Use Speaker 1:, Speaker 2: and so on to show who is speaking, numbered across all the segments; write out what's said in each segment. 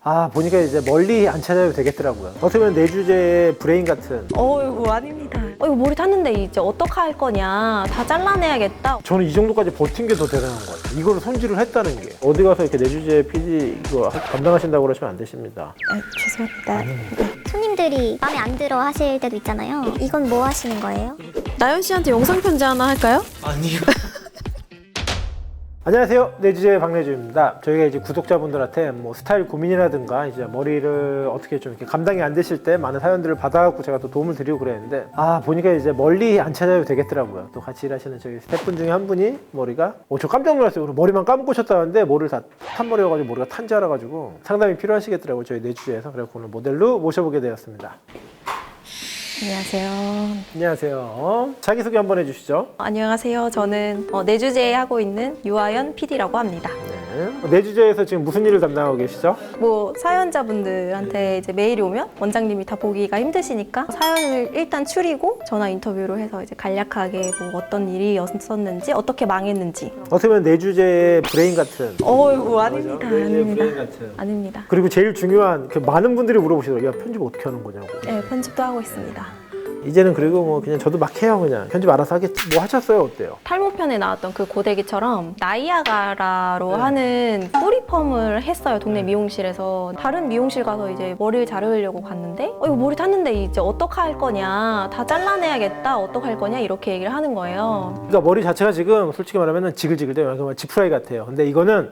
Speaker 1: 보니까 이제 멀리 안 찾아도 되겠더라고요. 어떻게 보면 내 주제의 브레인 같은.
Speaker 2: 어이구 아닙니다. 이거 머리 탔는데 이제 어떡할 거냐. 다 잘라내야겠다.
Speaker 1: 저는 이 정도까지 버틴 게 더 대단한 것 같아요. 이거를 손질을 했다는 게. 어디 가서 이렇게 내 주제 PD 이거 감당하신다고 그러시면 안 되십니다.
Speaker 2: 죄송합니다.
Speaker 3: 손님들이 마음에 안 들어 하실 때도 있잖아요. 이건 뭐 하시는 거예요?
Speaker 2: 나연 씨한테 영상 편지 하나 할까요?
Speaker 4: 아니요.
Speaker 1: 안녕하세요. 내 주제의 박래주입니다. 저희가 이제 구독자분들한테 뭐 스타일 고민이라든가 이제 머리를 어떻게 좀 이렇게 감당이 안 되실 때 많은 사연들을 받아갖고 제가 또 도움을 드리고 그랬는데 보니까 이제 멀리 안 찾아도 되겠더라고요. 또 같이 일하시는 저희 스태프분 중에 한 분이 머리가 저 깜짝 놀랐어요. 머리만 감고 오셨다는데 머리를 다 탄머리여가지고 머리가 탄 줄 알아가지고 상담이 필요하시겠더라고요. 저희 내 주제에서. 그래서 오늘 모델로 모셔보게 되었습니다.
Speaker 2: 안녕하세요.
Speaker 1: 안녕하세요. 자기소개 한번 해주시죠.
Speaker 2: 안녕하세요. 저는 내 주제에 하고 있는 유아연 PD라고 합니다.
Speaker 1: 네. 내 주제에서 지금 무슨 일을 담당하고 계시죠?
Speaker 2: 뭐 사연자분들한테 이제 메일이 오면 원장님이 다 보기가 힘드시니까 사연을 일단 추리고 전화 인터뷰로 해서 이제 간략하게 뭐 어떤 일이었었는지 어떻게 망했는지.
Speaker 1: 어떻게 보면 내 주제의 브레인 같은.
Speaker 2: 어이구 아닙니다.
Speaker 1: 내 주제의
Speaker 2: 아닙니다.
Speaker 1: 브레인 같은.
Speaker 2: 아닙니다.
Speaker 1: 그리고 제일 중요한 많은 분들이 물어보시더라고요. 야, 편집 어떻게 하는 거냐고.
Speaker 2: 네, 편집도 하고 있습니다.
Speaker 1: 이제는 그리고 뭐 그냥 저도 막 해요. 그냥 편집 알아서 하겠지. 뭐 하셨어요? 어때요?
Speaker 2: 탈모편에 나왔던 그 고데기처럼 나이아가라로
Speaker 1: 네.
Speaker 2: 하는 뿌리펌을 했어요. 동네 미용실에서. 다른 미용실 가서 이제 머리를 자르려고 갔는데 이거 머리 탔는데 이제 어떡할 거냐. 다 잘라내야겠다. 어떡할 거냐. 이렇게 얘기를 하는 거예요.
Speaker 1: 그러니까 머리 자체가 지금 솔직히 말하면 지글지글돼요. 그러니까 지프라이 같아요. 근데 이거는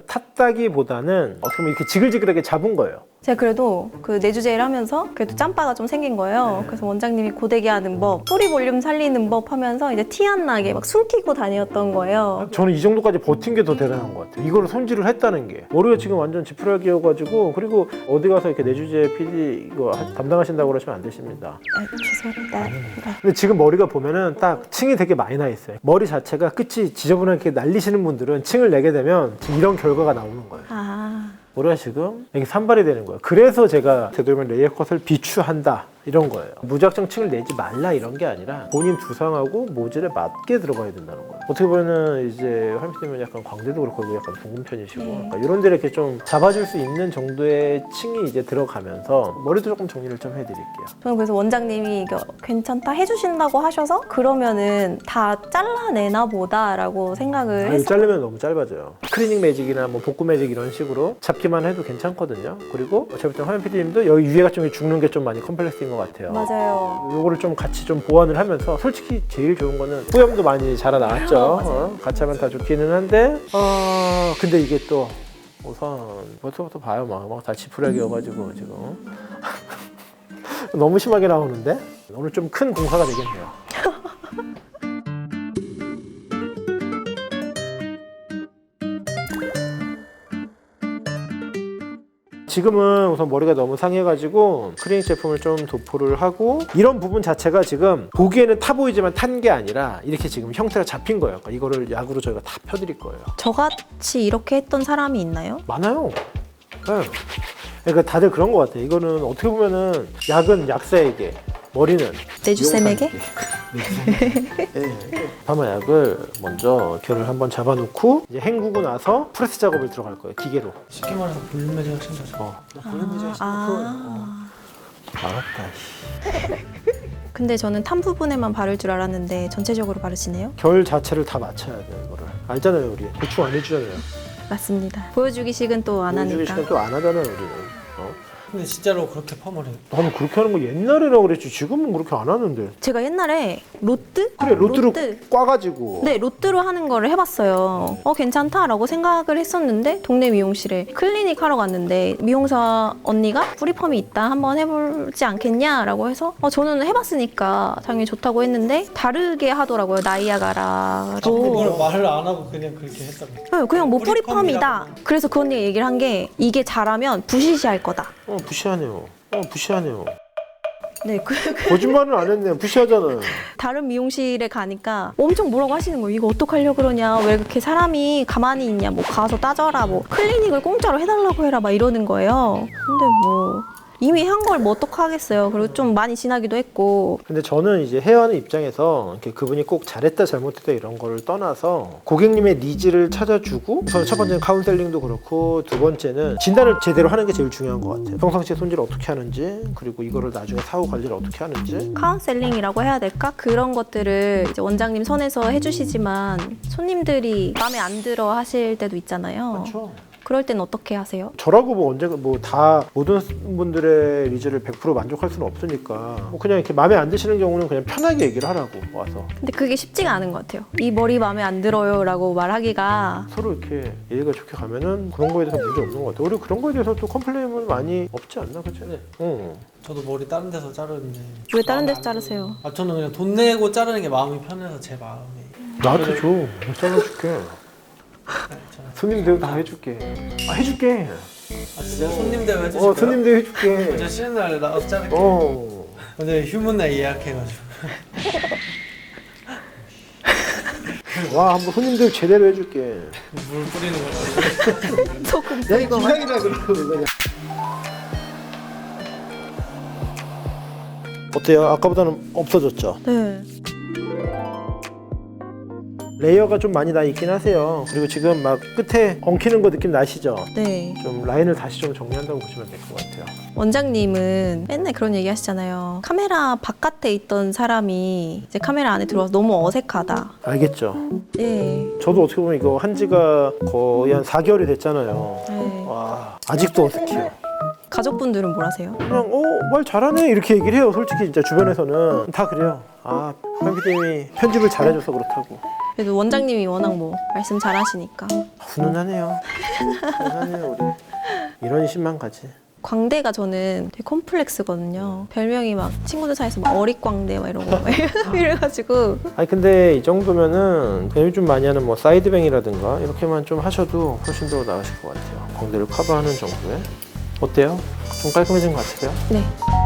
Speaker 1: 탔다기보다는 어떻게 보면 이렇게 지글지글하게 잡은 거예요.
Speaker 2: 제가 그래도 그 내주제를 하면서 그래도 짬바가 좀 생긴 거예요. 그래서 원장님이 고데기 하는 법, 뿌리 볼륨 살리는 법 하면서 이제 티 안 나게 막 숨기고 다녔던 거예요.
Speaker 1: 저는 이 정도까지 버틴 게 더 대단한 것 같아요. 이거를 손질을 했다는 게. 머리가 지금 완전 지푸라기여가지고 그리고 어디 가서 이렇게 내 주제 PD 이거 담당하신다고 그러시면 안 되십니다.
Speaker 2: 죄송합니다.
Speaker 1: 근데 지금 머리가 보면은 딱 층이 되게 많이 나 있어요. 머리 자체가 끝이 지저분하게 날리시는 분들은 층을 내게 되면 지금 이런 결과가 나오는 거예요. 머리가 지금 이게 산발이 되는 거예요. 그래서 제가 되도록이면 레이어 컷을 비추한다 이런 거예요. 무작정 층을 내지 말라 이런 게 아니라 본인 두상하고 모질에 맞게 들어가야 된다는 거예요. 어떻게 보면은 이제 활미님은 약간 광대도 그렇고 약간 둥근 편이시고 약간 이런 데를 이렇게 좀 잡아줄 수 있는 정도의 층이 이제 들어가면서 머리도 조금 정리를 좀 해드릴게요.
Speaker 2: 저는 그래서 원장님이 이거 괜찮다 해주신다고 하셔서 그러면은 다 잘라내나 보다라고 생각을
Speaker 1: 이거
Speaker 2: 했어요.
Speaker 1: 자르면 너무 짧아져요. 클리닝 매직이나 뭐 복구 매직 이런 식으로 잡기만 해도 괜찮거든요. 그리고 제가 볼 때 화면 PD님도 여기 위에가 좀 죽는 게 좀 많이 컴플렉스인 것 같아요.
Speaker 2: 맞아요.
Speaker 1: 요거를 좀 같이 좀 보완을 하면서 솔직히 제일 좋은 거는 뿌염도 많이 자라나왔죠. 같이 하면 다 좋기는 한데 근데 이게 또 우선 벌써부터 봐요. 막 다 지푸라기여가지고 지금 너무 심하게 나오는데 오늘 좀 큰 공사가 되겠네요. 지금은 우선 머리가 너무 상해가지고 클리닉 제품을 좀 도포를 하고 이런 부분 자체가 지금 보기에는 타 보이지만 탄 게 아니라 이렇게 지금 형태가 잡힌 거예요. 그러니까 이거를 약으로 저희가 다 펴드릴 거예요.
Speaker 2: 저같이 이렇게 했던 사람이 있나요?
Speaker 1: 많아요. 네. 그러니까 다들 그런 것 같아요. 이거는 어떻게 보면은 약은 약사에게, 머리는
Speaker 2: 내주쌤에게?
Speaker 1: 파마약을 먼저 결을 한번 잡아놓고 이제 헹구고 나서 프레스 작업을 들어갈 거예요. 기계로.
Speaker 4: 쉽게 말해서 볼륨 매직 하신 거죠? 볼륨 매직 하신
Speaker 1: 알았다.
Speaker 2: 근데 저는 탄 부분에만 바를 줄 알았는데 전체적으로 바르시네요?
Speaker 1: 결 자체를 다 맞춰야 돼요. 이거를. 알잖아요. 우리. 보충 안 해주잖아요.
Speaker 2: 맞습니다. 보여주기식은 또 안
Speaker 1: 보여주기
Speaker 2: 하니까.
Speaker 1: 시간 또 안 하잖아요. 우리는.
Speaker 4: 근데 진짜로 그렇게 펌을 해요?
Speaker 1: 나는 그렇게 하는 거 옛날이라고 그랬지. 지금은 그렇게 안 하는데.
Speaker 2: 제가 옛날에 로트?
Speaker 1: 그래, 로트로
Speaker 2: 로트.
Speaker 1: 꽈가지고.
Speaker 2: 네, 로트로 하는 거를 해봤어요. 괜찮다라고 생각을 했었는데 동네 미용실에 클리닉 하러 갔는데 미용사 언니가 뿌리펌이 있다 한번 해보지 않겠냐라고 해서 저는 해봤으니까 당연히 좋다고 했는데 다르게 하더라고요. 나이아가라로.
Speaker 4: 그걸 말을 안 하고 그냥 그렇게 했다고.
Speaker 2: 네, 그냥 뭐
Speaker 4: 뿌리펌이라고.
Speaker 2: 뿌리펌이다. 그래서 그 언니가 얘기를 한 게 이게 잘하면 부시시할 거다.
Speaker 1: 무시하네요. 무시하네요.
Speaker 2: 네,
Speaker 1: 거짓말은 안 했네요. 무시하잖아요.
Speaker 2: 다른 미용실에 가니까 엄청 뭐라고 하시는 거예요. 이거 어떡하려고 그러냐. 왜 그렇게 사람이 가만히 있냐. 뭐 가서 따져라. 뭐 클리닉을 공짜로 해달라고 해라. 막 이러는 거예요. 근데 뭐 이미 한 걸 뭐 어떡하겠어요. 그리고 좀 많이 지나기도 했고.
Speaker 1: 근데 저는 이제 헤어하는 입장에서 이렇게 그분이 꼭 잘했다 잘못했다 이런 거를 떠나서 고객님의 니즈를 찾아주고 우선 첫 번째는 카운셀링도 그렇고 두 번째는 진단을 제대로 하는 게 제일 중요한 것 같아요. 평상시에 손질을 어떻게 하는지 그리고 이거를 나중에 사후 관리를 어떻게 하는지.
Speaker 2: 카운셀링이라고 해야 될까? 그런 것들을 이제 원장님 선에서 해주시지만 손님들이 마음에 안 들어 하실 때도 있잖아요.
Speaker 1: 그렇죠.
Speaker 2: 그럴 땐 어떻게 하세요?
Speaker 1: 저라고 뭐 언제가 뭐 다 모든 분들의 니즈를 100% 만족할 수는 없으니까 뭐 그냥 이렇게 마음에 안 드시는 경우는 그냥 편하게 얘기를 하라고 와서
Speaker 2: 근데 그게 쉽지가 않은 것 같아요. 이 머리 마음에 안 들어요 라고 말하기가.
Speaker 1: 서로 이렇게 예의가 좋게 가면은 그런 거에 대해서 문제 없는 것 같아요. 우리 그런 거에 대해서 또 컴플레인은 많이 없지 않나 그죠?
Speaker 4: 네.
Speaker 1: 응.
Speaker 4: 저도 머리 다른 데서 자르는데
Speaker 2: 왜 다른
Speaker 4: 마음에
Speaker 2: 데서
Speaker 4: 안
Speaker 2: 자르세요?
Speaker 4: 들어요. 저는 그냥 돈 내고 자르는 게 마음이 편해서 제 마음이.
Speaker 1: 나한테 줘. 내가 잘라줄게.
Speaker 4: 네,
Speaker 1: 손님들 다 해줄게. 아 해줄게.
Speaker 4: 아 진짜 손님 대우 해주실까요?
Speaker 1: 손님들 해줄게.
Speaker 4: 저 쉬는 날 나가서 자를게요.
Speaker 1: 어.
Speaker 4: 휴문날 예약해가지고.
Speaker 1: 와 한번 손님들 제대로 해줄게.
Speaker 4: 물 뿌리는 거죠.
Speaker 2: 소금
Speaker 1: 야 이거 기상이다 그러고 그냥. 어때요? 아까보다는 없어졌죠?
Speaker 2: 네.
Speaker 1: 레이어가 좀 많이 나 있긴 하세요. 그리고 지금 막 끝에 엉키는 거 느낌 나시죠?
Speaker 2: 네.
Speaker 1: 좀 라인을 다시 좀 정리한다고 보시면 될 것 같아요.
Speaker 2: 원장님은 맨날 그런 얘기 하시잖아요. 카메라 바깥에 있던 사람이 이제 카메라 안에 들어와서 너무 어색하다.
Speaker 1: 알겠죠?
Speaker 2: 네.
Speaker 1: 저도 어떻게 보면 이거 한 지가 거의 한 4개월이 됐잖아요.
Speaker 2: 네.
Speaker 1: 와 아직도 어색해요.
Speaker 2: 가족분들은 뭘 하세요?
Speaker 1: 그냥 말 잘하네 이렇게 얘기를 해요. 솔직히 진짜 주변에서는 다 그래요. 아 편집님이 편집을 잘해줘서 그렇다고.
Speaker 2: 그래도 원장님이 워낙 뭐 말씀 잘하시니까.
Speaker 1: 훈훈하네요. 훈훈하네요 우리. 이런 신만 가지.
Speaker 2: 광대가 저는 되게 콤플렉스거든요. 별명이 막 친구들 사이에서 막 어릿광대 막 이런 거 막 이래가지고.
Speaker 1: 아니 근데 이 정도면은 그냥 요즘 많이 하는 뭐 사이드뱅이라든가 이렇게만 좀 하셔도 훨씬 더 나으실 것 같아요. 광대를 커버하는 정도에. 어때요? 좀 깔끔해진 것 같으세요?
Speaker 2: 네.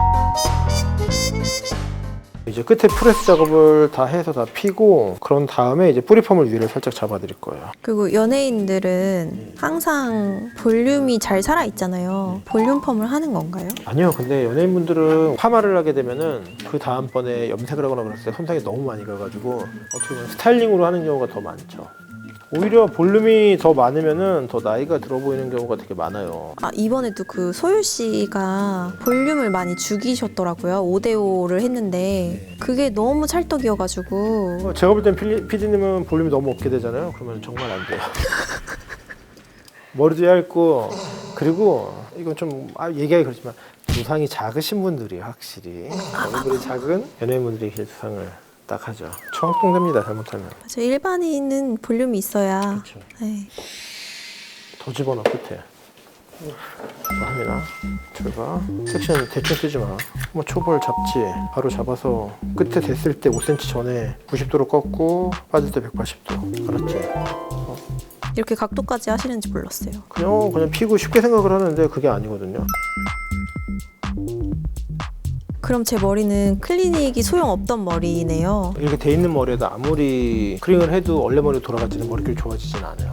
Speaker 1: 이제 끝에 프레스 작업을 다 해서 다 피고 그런 다음에 이제 뿌리펌을 위를 살짝 잡아드릴 거예요.
Speaker 2: 그리고 연예인들은 항상 볼륨이 잘 살아 있잖아요. 볼륨 펌을 하는 건가요?
Speaker 1: 아니요. 근데 연예인분들은 파마를 하게 되면은 그 다음번에 염색을 하거나 그랬을 때 손상이 너무 많이 가가지고 어떻게 보면 스타일링으로 하는 경우가 더 많죠. 오히려 볼륨이 더 많으면은 더 나이가 들어 보이는 경우가 되게 많아요.
Speaker 2: 아, 이번에도 그 소율 씨가 볼륨을 많이 죽이셨더라고요. 5대5를 했는데 그게 너무 찰떡이어가지고.
Speaker 1: 제가 볼 땐 PD님은 볼륨이 너무 없게 되잖아요. 그러면 정말 안 돼요. 머리도 얇고 그리고 이건 좀 얘기하기 그렇지만 두상이 작으신 분들이 확실히 얼굴이 작은 연예인분들이 이 두상을 딱 하죠. 청학동됩니다 잘못하면.
Speaker 2: 맞아, 일반인은 볼륨이 있어야.
Speaker 1: 그렇죠.
Speaker 2: 네.
Speaker 1: 더 집어넣어 끝에. 합니다. 들어가. 섹션 대충 쓰지 마. 뭐 초벌 잡지 바로 잡아서 끝에 됐을 때 5cm 전에 90도로 꺾고 빠질 때 180도. 알았지?
Speaker 2: 이렇게 각도까지 하시는지 몰랐어요.
Speaker 1: 그냥 피고 쉽게 생각을 하는데 그게 아니거든요.
Speaker 2: 그럼 제 머리는 클리닉이 소용없던 머리네요.
Speaker 1: 이렇게 돼 있는 머리에도 아무리 크링을 해도 원래 머리로 돌아가지는 머릿결이 좋아지진 않아요.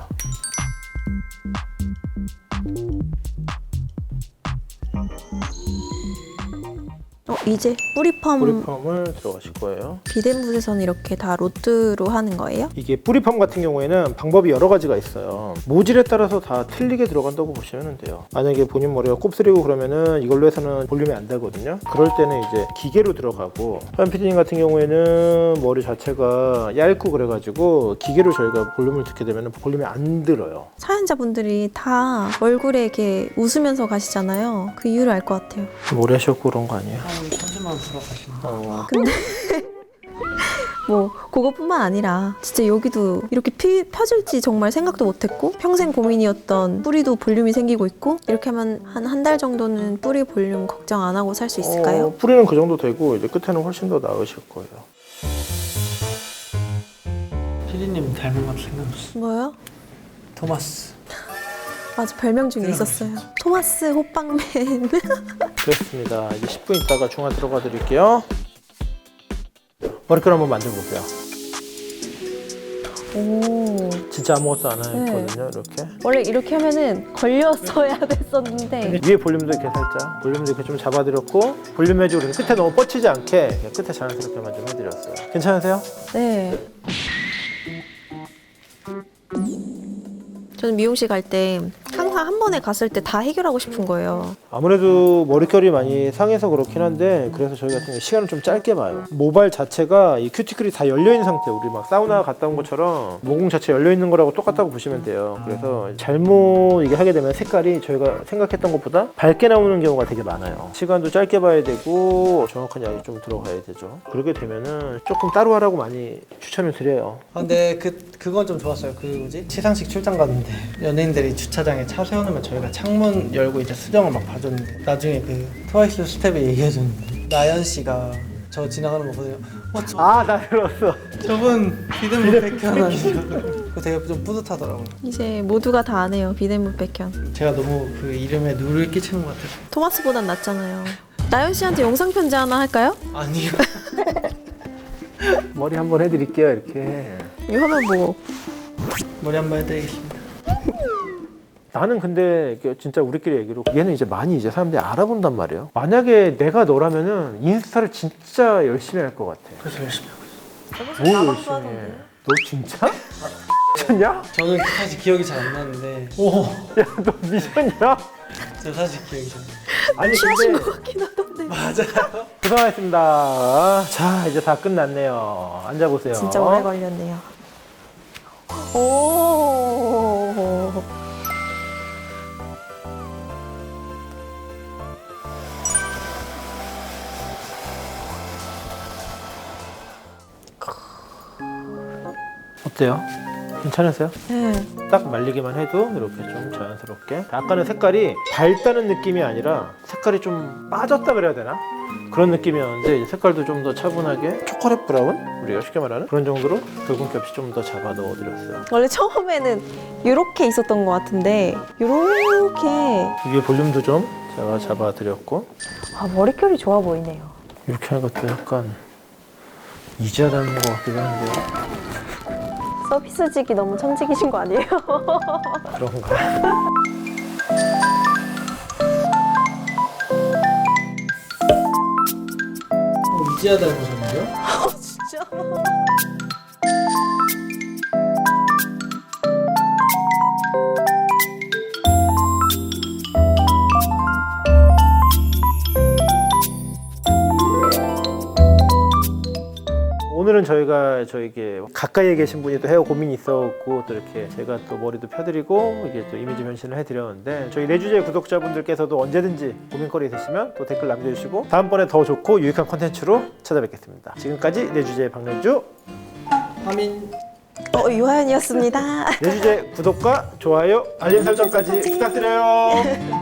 Speaker 2: 이제 뿌리펌
Speaker 1: 뿌리펌을 들어가실 거예요.
Speaker 2: 비덴붓에서는 이렇게 다 로트로 하는 거예요?
Speaker 1: 이게 뿌리펌 같은 경우에는 방법이 여러 가지가 있어요. 모질에 따라서 다 틀리게 들어간다고 보시면 돼요. 만약에 본인 머리가 곱슬이고 그러면은 이걸로 해서는 볼륨이 안 되거든요. 그럴 때는 이제 기계로 들어가고 서현 PD님 같은 경우에는 머리 자체가 얇고 그래가지고 기계로 저희가 볼륨을 듣게 되면 볼륨이 안 들어요.
Speaker 2: 사연자분들이 다 얼굴에 이렇게 웃으면서 가시잖아요. 그 이유를 알 것 같아요.
Speaker 1: 오래 하셨고 그런 거 아니에요?
Speaker 4: 천지만 불어가신다.
Speaker 2: 근데 뭐 그것뿐만 아니라 진짜 여기도 이렇게 펴질지 정말 생각도 못했고 평생 고민이었던 뿌리도 볼륨이 생기고 있고 이렇게 하면 한 달 정도는 뿌리 볼륨 걱정 안 하고 살 수 있을까요?
Speaker 1: 뿌리는 그 정도 되고 이제 끝에는 훨씬 더 나으실 거예요.
Speaker 4: 피디님 닮은 것 생각났어.
Speaker 2: 뭐요?
Speaker 4: 토마스.
Speaker 2: 맞아, 별명 중에 있었어요. 토마스 호빵맨.
Speaker 1: 그렇습니다. 이제 10분 있다가 중화 들어가 드릴게요. 머리끈 한번 만져보세요.
Speaker 2: 오.
Speaker 1: 진짜 아무것도 안
Speaker 2: 네.
Speaker 1: 했거든요. 이렇게
Speaker 2: 원래 이렇게 하면은 걸렸어야 됐었는데.
Speaker 1: 위에 볼륨도 이렇게 살짝 볼륨도 이렇게 좀 잡아드렸고 볼륨 해주고 그래서 끝에 너무 뻗치지 않게 그냥 끝에 자연스럽게만 좀 해드렸어요. 괜찮으세요?
Speaker 2: 네. 저는 미용실 갈 때 항상 한 번에 갔을 때 다 해결하고 싶은 거예요.
Speaker 1: 아무래도 머릿결이 많이 상해서 그렇긴 한데 그래서 저희 같은 경우 시간을 좀 짧게 봐요. 모발 자체가 이 큐티클이 다 열려있는 상태, 우리 막 사우나 갔다 온 것처럼 모공 자체 열려있는 거라고 똑같다고 보시면 돼요. 그래서 잘못 이게 하게 되면 색깔이 저희가 생각했던 것보다 밝게 나오는 경우가 되게 많아요. 시간도 짧게 봐야 되고 정확한 약이 좀 들어가야 되죠. 그렇게 되면은 조금 따로 하라고 많이 추천을 드려요.
Speaker 4: 아, 근데 그건 좀 좋았어요. 그 뭐지? 시상식 출장 갔는데 연예인들이 주차장에 차 세워놓으면 저희가 창문 열고 이제 수정을 막 봐줬는데 나중에 그 트와이스 스텝이 얘기해줬는데 나연 씨가 저 지나가는 거 보세요.
Speaker 1: 나 들었어.
Speaker 4: 저분 비듬 백현 아니에요? 그거 되게 좀 뿌듯하더라고요.
Speaker 2: 이제 모두가 다 아네요. 비덴무 백현.
Speaker 4: 제가 너무 그 이름에 누를 끼치는 것 같아서.
Speaker 2: 토마스보단 낫잖아요. 나연 씨한테 영상 편지 하나 할까요?
Speaker 4: 아니요.
Speaker 1: 머리 한번 해드릴게요. 이렇게.
Speaker 2: 이 화면 보고.
Speaker 4: 머리 한번 해드리겠습니다.
Speaker 1: 나는 근데 이게 진짜 우리끼리 얘기로 얘는 이제 많이 이제 사람들이 알아본단 말이에요. 만약에 내가 너라면은 인스타를 진짜 열심히 할 것 같아.
Speaker 4: 그래서 열심히 하고 있어요.
Speaker 1: 뭘 열심히 해? 너 진짜? 미쳤냐?
Speaker 4: 저는 사실 기억이 잘 안 나는데
Speaker 1: 야, 너 미쳤냐?
Speaker 4: 저 사실 기억이 잘 안 나요.
Speaker 1: 아니
Speaker 2: 취하신
Speaker 1: 근데
Speaker 2: 것 같긴 하던데.
Speaker 4: 맞아요.
Speaker 1: 고생하셨습니다. 자, 이제 다 끝났네요. 앉아보세요.
Speaker 2: 진짜 오래 걸렸네요. 오.
Speaker 1: 어때요? 괜찮으세요?
Speaker 2: 네.
Speaker 1: 딱 말리기만 해도 이렇게 좀 자연스럽게. 아까는 색깔이 밝다는 느낌이 아니라 색깔이 좀 빠졌다 그래야 되나? 그런 느낌이었는데 이제 색깔도 좀 더 차분하게 초콜릿 브라운? 우리가 쉽게 말하는 그런 정도로 붉은기 없이 좀 더 잡아 넣어드렸어요.
Speaker 2: 원래 처음에는 이렇게 있었던 것 같은데 이렇게.
Speaker 1: 위에 볼륨도 좀 제가 잡아드렸고
Speaker 2: 아, 머릿결이 좋아 보이네요.
Speaker 1: 이렇게 하는 것도 약간 이지아 닮은 것 같기도 한데요.
Speaker 2: 서비스직이 너무 천직이신 거 아니에요?
Speaker 1: 그런가?
Speaker 4: 이지아 닮으셨는데요?
Speaker 2: 진짜.
Speaker 1: 오늘은 저희가 저에게 가까이에 계신 분이 또 헤어 고민이 있었고 또 이렇게 제가 또 머리도 펴드리고 이게 또 이미지 변신을 해드렸는데 저희 내주제 구독자분들께서도 언제든지 고민거리 있으시면 또 댓글 남겨주시고 다음번에 더 좋고 유익한 콘텐츠로 찾아뵙겠습니다. 지금까지 내주제 박명주
Speaker 4: 하민
Speaker 2: 유하연이었습니다.
Speaker 1: 내주제 구독과 좋아요 알림 설정까지 부탁드려요.